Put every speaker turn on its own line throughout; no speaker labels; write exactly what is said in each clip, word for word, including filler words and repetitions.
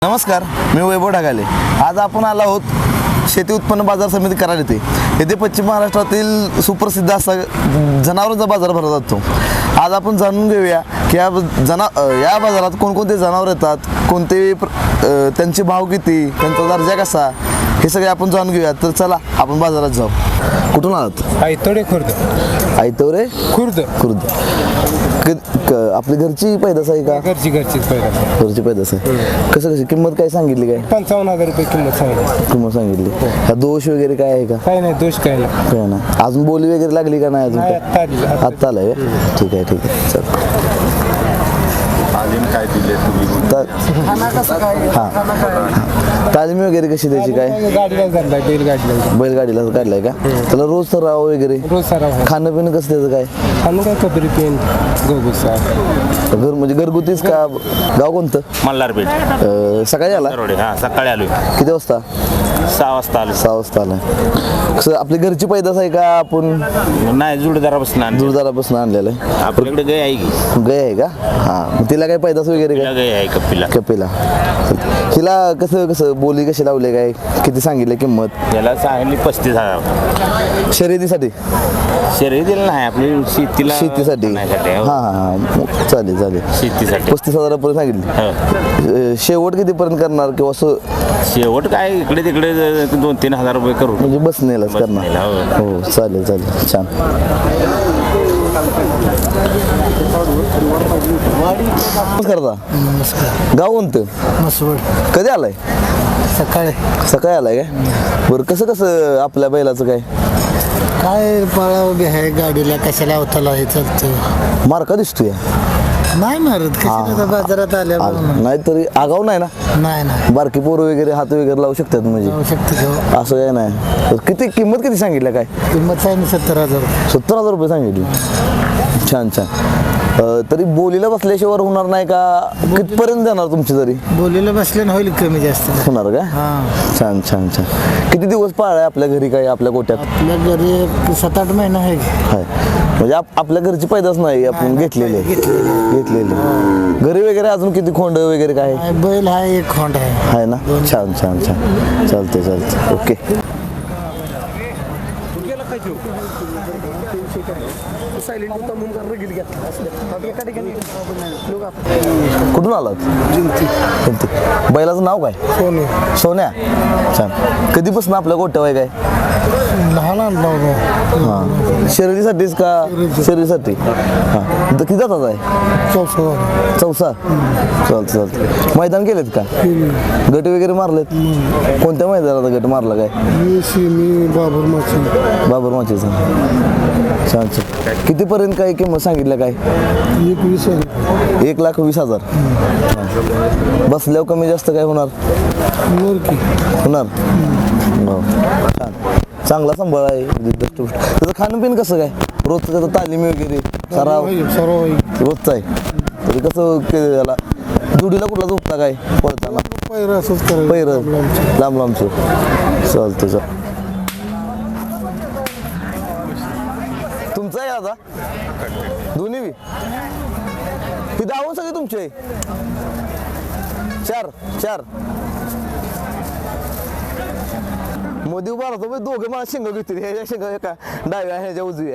नमस्कार, मी वैभव ढगाले. आज आपण आलो आहोत शेती उत्पन्न बाजार समिती कराड येथे. येथे पश्चिम महाराष्ट्रातील सुप्रसिद्ध असा जनावरांचा बाजार भरला जातो. आज आपण जाणून घेऊया की या जना या बाजारात कोणकोणते जनावर येतात, कोणते त्यांचे भाव किती, त्यांचा दर्जा कसा, हे सगळे आपण जाणून घेऊया. तर चला आपण बाजारात जाऊ. कुठून आलात?
आयतोडे खुर्द.
आयतोरे
खुर्द
खुर्द आपली घरची पैदास आहे का?
घरची घरचीच पैदास.
घरची पैदास आहे. कसं कशी किंमत काय सांगितली? काय
पंचावन्न हजार रुपये किंमत सांगितली.
किंमत सांगितली. ह्या दोष वगैरे काय आहे का?
काही नाही, दोष काही नाही.
काय ना अजून बोली वगैरे लागली का नाही? अजून
नाही, आत्ता आली.
आत्ता आलाय का? ठीक आहे ठीक आहे चल.
काय दिले तुम्ही?
हां तालीम वगैरे कशी द्यायची? काय
गाडीला काढलाय, बैलगाडीला.
बैलगाडीला काढलाय का? त्याला रोज सराव वगैरे
रोज सराव आहे.
खाणं पिणं कसं त्याचं काय?
आणि काय कबरी पेन गोगुसा.
घर म्हणजे घरगुतीच का? गाव कोणतं?
मल्हारपेठ.
अं, सकाळी आला?
रोडे हा सकाळी आलो.
किती वाजता?
सहा वाजता आलो.
सहा वाजता आलाय. कसं आपली घरची पैदास आहे का? आपण
नाही जुडदारापासून आणलं.
दूरदारापासून आणलेलं आहे.
आपल्याकडे गाय आहे की?
गाय आहे का? हां मग तिला काय पैदास वगैरे काय?
गाय आहे कपिला.
कपिला. हिला कसं कसं बोली कशी लावले? काय किती सांगितलं किंमत?
याला सांगितली पस्तीस हजार.
शर्यतीसाठी?
शर्यतीला नाही, आपली शेतीला
शेतीसाठी
खाण्यासाठी, हो.
हां हां चालेल चालेल.
शेतीसाठी
पस्तीस हजारापर्यंत सांगितली.
हो.
अं, शेवट कितीपर्यंत करणार किंवा असं
शेवट काय इकडे तिकडे दोन तीन हजार रुपये करू
म्हणजे बसनेलाच करणार?
बसनेला, हो.
हो चालेल चालेल छान. नमस्कार दादा.
नमस्कार.
गाव कोणतं?
मसवड.
कधी आलाय?
सकाळी
सकाळी आलाय काय? बरं कसं कसं आपल्या बैलाचं काय?
काय पाळा उभी आहे गाडीला, कशाला अवताला हे चालतं.
मार्का दिसतोय.
नाही मारत कशाला बाजारात आल्या म्हणून.
नाही तरी आगाव नाही ना?
नाही नाही
बारकी पोरं वगैरे हात वगैरे लावू शकतात म्हणजे?
जाऊ शकते घेऊ.
असं काय नाही. तर किती किंमत किती सांगितलं? काय
किंमत आहे ना सत्तर हजार.
सत्तर हजार रुपये सांगितली. छान छान. अं, तरी बोलीला बसल्याशिवाय होणार नाही का? कितपर्यंत जाणार तुमची तरी?
बोलीला बसल्यानं होईल कमी जास्त.
होणार का?
हां
छान छान छान. किती दिवस पाळाय आपल्या घरी? काय आपल्या गोट्यात
आपल्या घरी एक सात आठ महिना आहे.
आहे म्हणजे आप- आपल्या घरची पैदाच नाही आपण घेतलेले घेतलेले घरी वगैरे. अजून किती खोंड वगैरे काय
आहे, बैल आहे, एक खोंड आहे.
आहे ना? छान छान छान. चालते चालते ओके. कुठून आलात? जिंती. बैलाचं नाव काय?
सोने.
सोन्या. छान. कधीपासून आपल्या गोट्या आहे काय?
लहान आणला
हां शर्यतीसाठीच का? शर्यतीसाठी. हां तर किती जातात आहे?
चौसा.
चौसा. चालतं चालतं. मैदान केलेत का? गट वगैरे मारलेत? कोणत्या मैदानात गट मारला? काय
मी बाबर माची.
बाबर माचीचा. छान छान. कितीपर्यंत काय किंमत सांगितलं? काय
एक वीस हजार.
एक लाख वीस हजार. बसल्यावर कमी जास्त काय होणार? होणार. हो. छान. चांगला सांभाळ आहे. त्याचं खाणं पिणं कसं काय? रोजचं त्याचं तालीम वगैरे सराव
सर्व
रोजचं आहे. तरी कसं के- याला जुडीला कुठला झोपता काय पळताना?
पैर असंच करायचं.
पैर लांब लांबचं. चालतं चाल. तुमचं आहे आता दोन्ही बी? ती दावून सगळे तुमचे? चार चार. मोदी उभा राहतो दोघे मला शिंग घेतील. ह्याच्या शिंग एका डाव्या ह्याच्या उजव्या.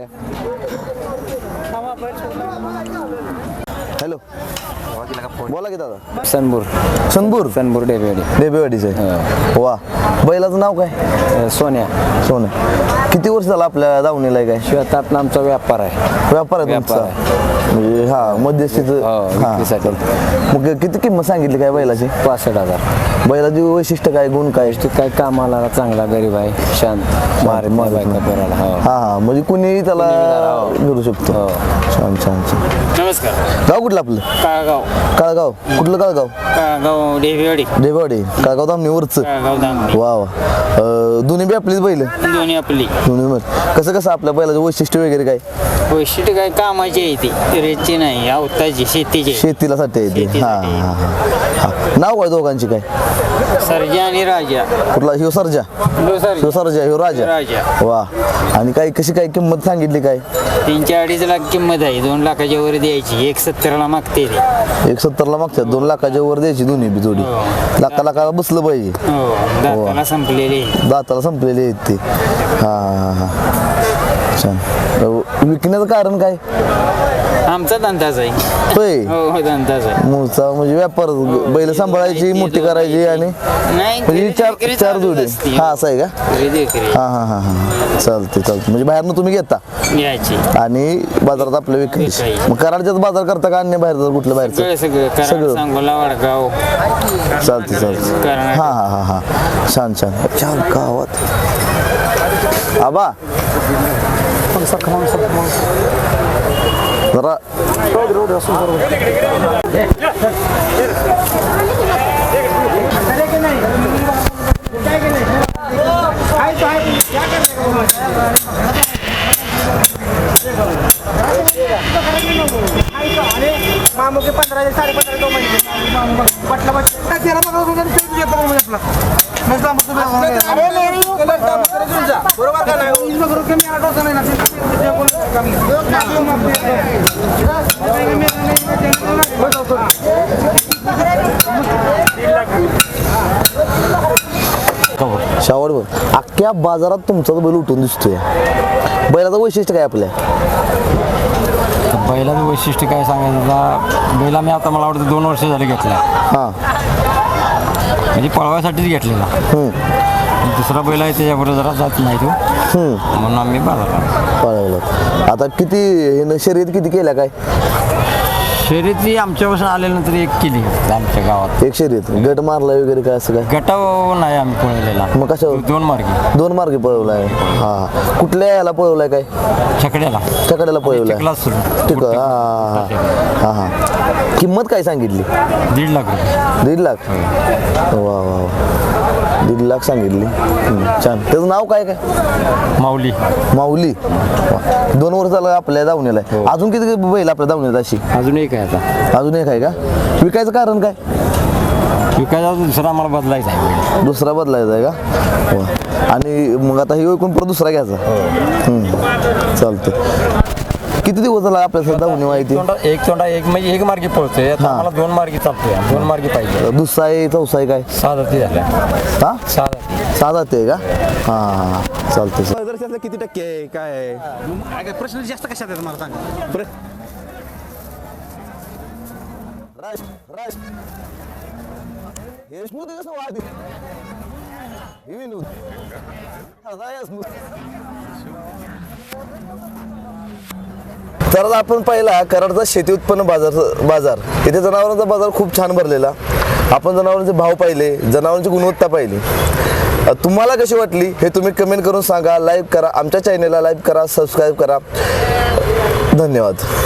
हॅलो बोला की दादा.
सनबूर.
सनबूर.
सनबूर डेबेवाडी.
डेबेवाडीचं आहे. वा. बैलाचं नाव काय?
सोन्या.
सोनं. किती वर्ष झालं आपल्या दावणीला आहे? काय
शेतात आमचा व्यापार आहे.
व्यापार आहे
व्यापार
तुमचा? म्हणजे हा मध्यस्थीचं.
हो,
हां,
विक्रीसाठी.
चालतं. मग किती किंमत सांगितली काय बैलाची?
पासष्ट हजार.
बैलाची वैशिष्ट्य काय, गुण काय?
ते काय कामाला चांगला गरीब आहे, शांत मारे
मारीत
बायका
नाही.
पोराला. हो.
हा हा म्हणजे कुणीही त्याला घेऊ शकतो.
हो.
छान छान छान.
नमस्कार.
गाव कुठलं आपलं?
काळगाव.
काळगाव. कुठलं काळगाव?
काळगाव डेबेवाडी.
डेवाडी. काळगाव दामणीवरचं.
काळगाव दामडी.
वा वा. अं, दोन्ही बी आपलीच बैल?
दोन्ही आपली.
दोन्ही बैल. कसं कसं आपल्या बैलाचं वैशिष्ट्य वगैरे काय?
वैशिष्ट्य काय कामाची आहे ती, रेची नाही, अवताची शेतीची.
शेतीला साठी आहे ती. हा
शेतीसाठी.
हा हा. नाव काय दोघांची काय?
सर्जा आणि राजा
कुठला ह्यो सरजा
लो सर
ह्यो सरजा ह्यो राजा
राजा
वा. आणि काय कशी काय किंमत सांगितली काय?
तीनशे अडीच लाख किंमत आहे दोन लाखाच्या वर द्यायची एक सत्तरला मागते ते
एक सत्तरला मागतात दोन लाखाच्या वर द्यायची दोन्ही बी जोडी
हो.
लाखा लाखाला बसलं पाहिजे.
हो दाताला संपलेले
दाताला संपलेले आहेत ते. हा हा हा छान. अ, विकण्याचं कारण काय?
आमचा धंदाच आहे
होय
हो हो धंदाच आहे
मूळचा म्हणजे व्यापार बैल सांभाळायची मोठी करायची आणि
नाही
म्हणजे चार
खरेदी
चार
चालूच
जोडी
असते.
हा असं आहे का?
खरेदी विक्री
हा हा हा हा चालते चालते म्हणजे बाहेरनं तुम्ही घेता
घ्यायची
आणि बाजारात आपलं विकायची.
विकायची.
मग कराडच्याच बाजार करता का अन्य बाहेरचं कुठलं
सगळं
बाहेरचं?
सगळं कराड
सगळं.
सांगोला वडगाव
चालते चालते
कर्नाटक.
हा हा हा हा छान छान छान गावात आबा जरा
मामू के पंधरा साडे पंधरा दो महिने पटला पटला तेरा बरोबर का
शावड बघ अख्ख्या बाजारात तुमचा बैल उठून दिसतोय. बैलाचं वैशिष्ट्य काय आपल्या?
बैलाचं वैशिष्ट्य काय सांगायचं आता बैला मी आता मला वाटतं दोन वर्ष झाले घेतला
हां
म्हणजे पळवायसाठीच घेतलेला. दुसरा बैल आहे त्याच्याबरोबर जरा जात नाही तो म्हणून आम्ही बाजारात
पळवलं. आता किती हे शर्यत किती केल्या काय?
शर्यती आमच्यापासून आल्यानंतर एक केली आमच्या गावात.
एक शर्यत गट मारला वगैरे काय असं काय?
गटाव नाही आम्ही पळवलेला
मग कशावर?
दोन मार्गी
दोन मार्गे पळवलाय. हा कुठल्या याला पळवलाय काय?
छकड्याला
चकड्याला पळवलाय.
चिखलात सुरू.
ठीक आहे. हा हा हा हा किंमत काय सांगितली?
दीड लाख रुपये.
दीड लाख वा वा वा दीड लाख सांगितली. हम्म, छान. त्याचं नाव काय काय?
माऊली
माऊली. वा. दोन वर्ष झालं आपल्या दावणीला आहे. अजून किती बैल आपल्या दावणीला अशी?
अजून एक आहे आता
अजून एक आहे का? विकायचं कारण काय?
विकायचा दुसरा आम्हाला बदलायचा आहे बैल.
दुसरा बदलायचा आहे का? वा. आणि मग आता हे ऐकून परत दुसरा घ्यायचा. हम्म, चालतं. किती दिवस झाला आपल्या दावणी माहिती?
तोंडा एक तोंडा एक म्हणजे एक मार्गी पळतोय आता आम्हाला दोन मार्गी चालतोय दोन मार्गी पाहिजे.
दुसरा आहे चौसा आहे काय?
सहा जाती झाल्या
हा
सहा जाती.
सहा जाते आहे का? हा हा हा चालतं.
किती टक्के आहे काय आहे?
प्रश्न जास्त कशात आहे मला सांगा
तर आपण पाहिला कराडचा शेती उत्पन्न बाजार बाजार इथे जनावरांचा बाजार खूप छान भरलेला. आपण जनावरांचे भाव पाहिले, जनावरांची गुणवत्ता पाहिली. तुम्हाला कशी वाटली हे तुम्ही कमेंट करून सांगा. लाईक करा, आमच्या चॅनेलला लाईक करा, सबस्क्राईब करा. धन्यवाद.